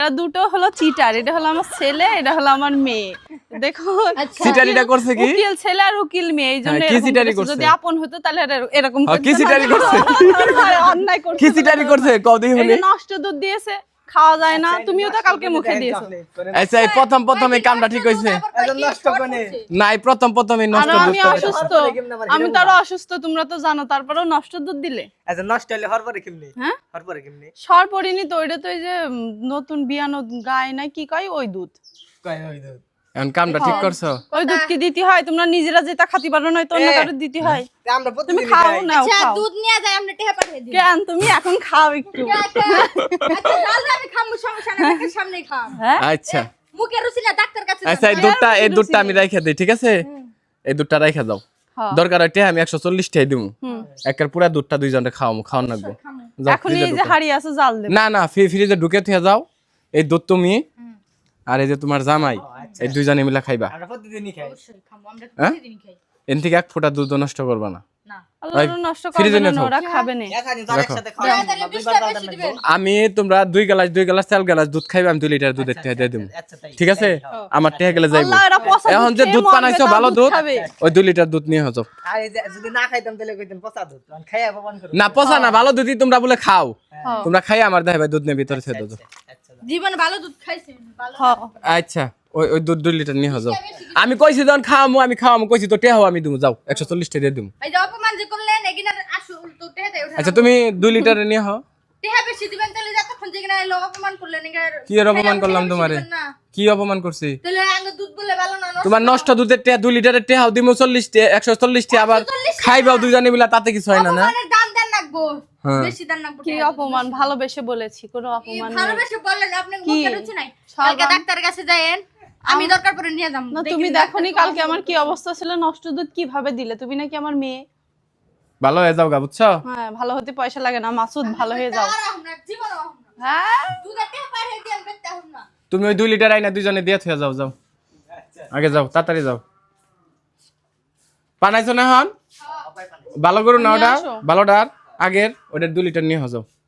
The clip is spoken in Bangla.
দুটো হলো চিটার, এটা হলো আমার ছেলে, এটা হলো আমার মেয়ে। দেখো চিটারিটা করছে কি? উকিল ছেলে আর উকিল মেয়ে, এই জন্য কি চিটারি করছে? যদি আপন হতো তাহলে এরকম কি চিটারি করছে? অন্যায় করছে। কি চিটারি করছে কদি হলে? নষ্ট দুধ দিয়েছে, খাওয়া যায় না, তুমিও তো কালকে মুখে দিয়েছো। আচ্ছা এই প্রথম এই কামটা ঠিক হইছে নষ্ট করে না? এই প্রথমই আর নষ্ট আমি অসুস্থ, আমি তো আরো অসুস্থ, তোমরা তো জানো, তারপরেও নষ্ট দুধ দিলে। আচ্ছা নষ্ট হলে হরপরে কেমনে? হ্যাঁ হরপরে কেমনে? সর পড়িনি তো, ওইটা তো এই যে নতুন বিয়ানো গায় না কি কয় ওই দুধ। কয় ওই দুধ। এখন কামটা ঠিক করছো? ওই দুধ কি দিতে হয়? তোমরা নিজেরা যেটা খাতি পারো না তো অন্য কারো দিতে হয়। আমরা তুমি প্রতিদিন খাও খাই। না, আচ্ছা খাও। দুধ নিয়ে যায় আমরা টেহা পাঠিয়ে দিই। কেন তুমি এখন খাও একটু? আচ্ছা তাহলে আমি খামু, সমস্যা নাই, দেখের সামনেই খাম। হ্যাঁ আচ্ছা মুখে রুচি না, ডাক্তার কাছে আচ্ছা এই দুধটা আমি রাইখা দেই, ঠিক আছে? এই দুধটা রাইখা দাও, হ্যাঁ। দরকার হইতে আমি 140 টাকা দিমু। একের পুরা দুধটা দুইজনে খাওয়ান লাগবে। যাও, এখন ফ্রিজে এই যে ঢুকাও। হাড়ি আছে জাল দেব। না না ফ্রিজে ঢুকে থিয়া যাও। এই দুধ তুমি আর এই যে তোমার জামাই এই দুইজনে মিলা খাইবা। আমরা প্রতিদিনই খাই। অবশ্যই খামু, আমরা হ্যাঁ? প্রতিদিনই খাই। এন থেকে এক ফোঁটা দুধ নষ্ট করবা না। না আল্লাহ নষ্ট ফ্রিজে করবে না, নিয়ে যাও। ওরা খাবে না। এখানে তো রাখো। একসাথে খাওয়া তাহলে দুইবার 20 টাকা পাল্টানো বেশি দিবেন। আমি তোমরা 2 গ্লাস 4 গ্লাস দুধ খাইবে, আমি 2 লিটার দুধের টাকা দিয়ে দেবো, আচ্ছা তাই। ঠিক আছে? আমার টাকা গেলে যাইবো। আল্লাহ, এরা পচা দুধ এখন যে খেয়ে দুধ মরবে, বানাইছো তাও ভালো দুধ দুধ, খাবে। ওই 2 লিটার দুধ নিয়ে যাও। আর এই যে যদি না খাইতাম তাহলে কইতেন পচা দুধ। কারণ খাইয়া অপমান করো। না পচা না, ভালো দুধই তোমরা বলে খাও। হ্যাঁ। তোমরা খাই আমার দেখাবে দুধ নিয়ে ভিতরে ছেড়ে দাও। আচ্ছা জীবনে ভালো দুধ খাইছেন ভালো। হ্যাঁ। আচ্ছা ওই দুধ 2 লিটার নিয়ে যাও। আমি কইছি যখন খাওয়ামু কইছি তো টেহাও আমি দিমু, যাও 140 টাকা দিয়ে দিমু। এই যে অপমান যে করলেন এগিনার আসল তো টেহা দেই ওঠা। আচ্ছা তুমি 2 লিটার নিয়ে হও। টেহা বেশি দিবেন তাহলে যতক্ষণ যেখানে এলো অপমান করলেন এগার। কি এর অপমান করলাম তোমারে? কি অপমান করছি? তাহলে আঙ্গ দুধ বলে ভালো না, নষ্ট তোমার নষ্ট দুধের টেহা 2 লিটারের টেহাও দিমু 40 টাকা 140 টাকা, আবার 140 টাকা। খাইবাও দুইজনে মিলা, তাতে কিছু হয় না না? অপমানের দাম দেন লাগবো, হ্যাঁ। বেশি দাম লাগবো। কি অপমান? ভালোবেসে বলেছি, কোনো অপমান নেই। ভালোবেসে বললেন আপনি কি? মুখে রুচি নাই। সব কালকে ডাক্তারের কাছে যায়েন, আমি দরকার পড়ে নিয়ে যাম। না তুমি দেখোনি কালকে আমার কি অবস্থা ছিল? নষ্ট দুধ কিভাবে দিলে? তুমি নাকি আমার মেয়ে। ভালো হয়ে যাও গা, বুঝছো? হ্যাঁ, ভালো হতে পয়সা লাগে না, মাসুদ ভালো হয়ে যাও। আর আমরা জীবন হ্যাঁ দুধের টেহা পাঠিয়ে দিয়ে আমি বেচতে হব না। তুমি ওই 2 লিটার আইনা দুইজনে দিয়ে থুয়া যাও। আগে যাও, তাড়াতাড়ি যাও। পানাইছো না হন? ভালো করো না ওটা, আসো। ভালোটার আগের ওটা 2 লিটার নিয়ে যাও।